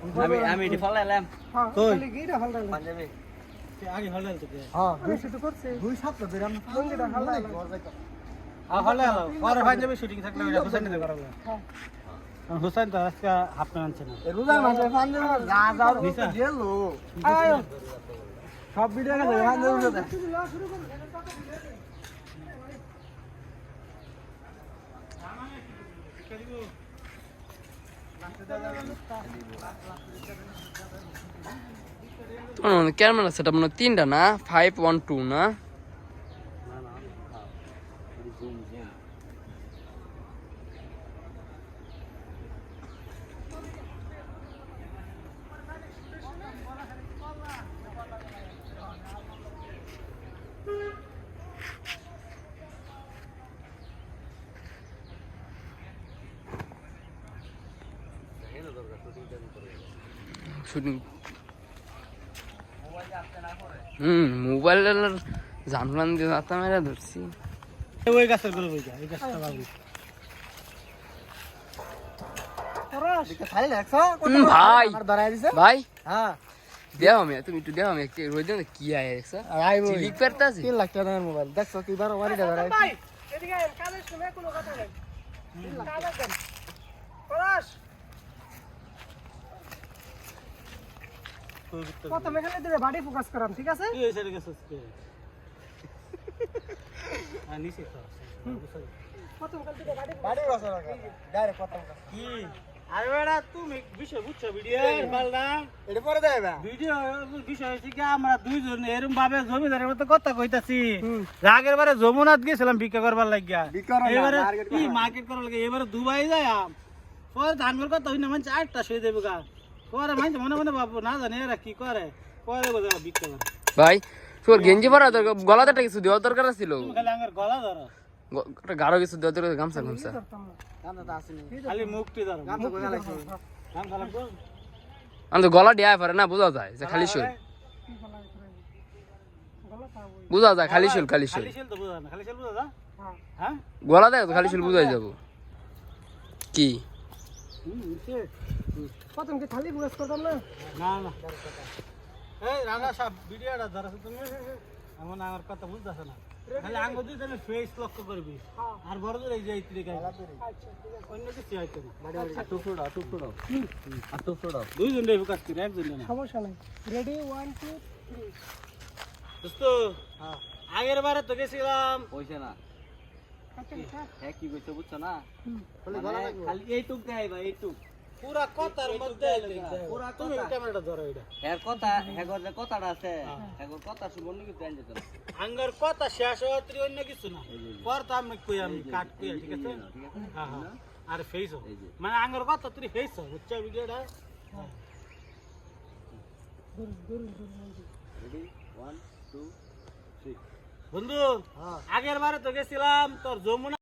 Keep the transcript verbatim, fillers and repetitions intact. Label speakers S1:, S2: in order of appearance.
S1: আমি আমি এটি ফলাইলাম
S2: হ্যাঁ
S1: কই
S2: খালি গিরা ফালতাম
S1: পাঞ্জাবি আগে ফলাইল তো
S2: হ্যাঁ দুই শুট করছে দুই সপ্তাহ ধরে আমরা লঙ্গিটা ফালতাম
S1: আ ফলাইল পরে পাঞ্জাবি শুটিং থাকলে ওটা হোসেন দিতে পারবে
S2: হ্যাঁ
S1: হোসেন তো আজকে হাফ প্যান্ট আনছে না
S2: রোজার মাসে পাঞ্জাবি গা যাও গেল আয় সব ভিডিও গেছে পাঞ্জাবি উঠে
S3: তোমার ক্যামেরা সেটআপ মনে তিনটা না ফাইভ ওয়ান টু না শুটিং হুম মোবাইল জানলাম দিয়ে দাঁতা মেরা ধরছি
S1: ওই গাছের করে বই যা এই গাছটা বাবু
S2: পরাশ খালি দেখছো
S3: হুম, ভাই
S2: আমার ধরাই দিছে
S3: ভাই
S2: হ্যাঁ
S3: দেও আমি তুমি একটু দেও আমি একটু রোজ দিন কি আয় দেখছো
S2: আইবো
S3: লিক করতেছি
S2: তিন লাখ টাকার মোবাইল দেখছো কি বার ওয়ারিটা ধরাই
S4: ভাই এদিকে আয়, কানে শুনে কোনো কথা নেই কানে দেন পরাশ প্রথম এখানে দিলে বাড়ি ফোকাস করাম ঠিক আছে
S1: কি হইছে রে গাছস কে আ নিচে তো
S4: প্রথম কাল দিলে বাড়ি
S2: বাড়ি বসা রাখা ডাইরেক্ট কথা
S1: কি আরে বেড়া তুমি বিষয় বুঝছো ভিডিও মাল না
S2: এটা পরে দেবা
S1: ভিডিও বিষয় হচ্ছে কি আমরা দুইজন এরকম ভাবে জমিদারের মতো কথা কইতাছি আগের বারে যমুনাত গেছিলাম ভিক্ষা করবার লাগিয়া
S2: ভিক্ষা করার না,
S1: এবারে
S2: market
S1: কি
S2: করা।
S1: মার্কেট করার লাগিয়া এবারে দুবাই যায় পরে ধানগুলো কথা হইনা মানে আটটা শুয়ে দেবে গা পরে মানে মনে মনে বাবু না জানে এরা কি করে পরে বোঝা ভিক্ষা করে
S3: ভাই তোর গেঞ্জি পরা দরকার গলাতে কিছু দেওয়ার দরকার ছিল
S1: তুমি খালি আমার গলা ধরো
S3: গাঢ় কিছু দেওয়ার দরকার গামছা গামছা
S2: গামছা তো আসেনি
S1: খালি মুখটি ধরো
S2: গামছা কোথায় লাগছে
S1: গাম খালাম তো
S3: আমি তো গলা দেয়া পারে না বোঝা যায় যে খালি শুল বোঝা যায় খালি শুল খালি শুল
S1: খালি ছিল তো বুঝা না খালি ছিল বুঝা যা হ্যাঁ
S3: গলা দেয় তো খালি শুল বুঝাই যাব কি
S1: হুম সে
S4: প্রথম কি খালি ফোকাস করতাম না
S1: না না এই রানা সাহেব ভিডিওটা ধরছো তুমি এমন আমার কথা বুঝতেছ না খালি আঙ্গুল দিয়ে তাহলে ফেস লক্ষ্য করবি আর বড় দূর এই যে ইত্রি গাই অন্য কিছু হইতো না
S2: টুকরো টুকরো আর টুকরো
S1: দুইজন রে ফোকাস করি একজন না
S4: সমস্যা নাই রেডি ওয়ান টু থ্রি
S1: দোস্ত আগের বারে তো গেছিলাম
S2: পয়সা না
S4: আচ্ছা আচ্ছা
S2: হ্যাঁ কি কইছো বুঝছো না
S1: মানে
S2: খালি এইটুক দেয় ভাই এইটুক
S1: পুরা কথার মধ্যে পুরা তুমি ক্যামেরাটা ধরো এটা
S2: এর কথা হেগর যে কথাটা আছে হেগর কথা শুনবো নাকি দেন যেত
S1: আঙ্গার কথা শেষ হওয়ার অন্য কিছু না পর তো আমি কই আমি কাট কই ঠিক আছে হ্যাঁ হ্যাঁ আর ফেস মানে আঙ্গার কথা তুই ফেস বুঝছো ভিডিওটা
S2: রেডি ওয়ান টু থ্রি
S1: বন্ধু আগের বারে তো গেছিলাম তোর যমুনা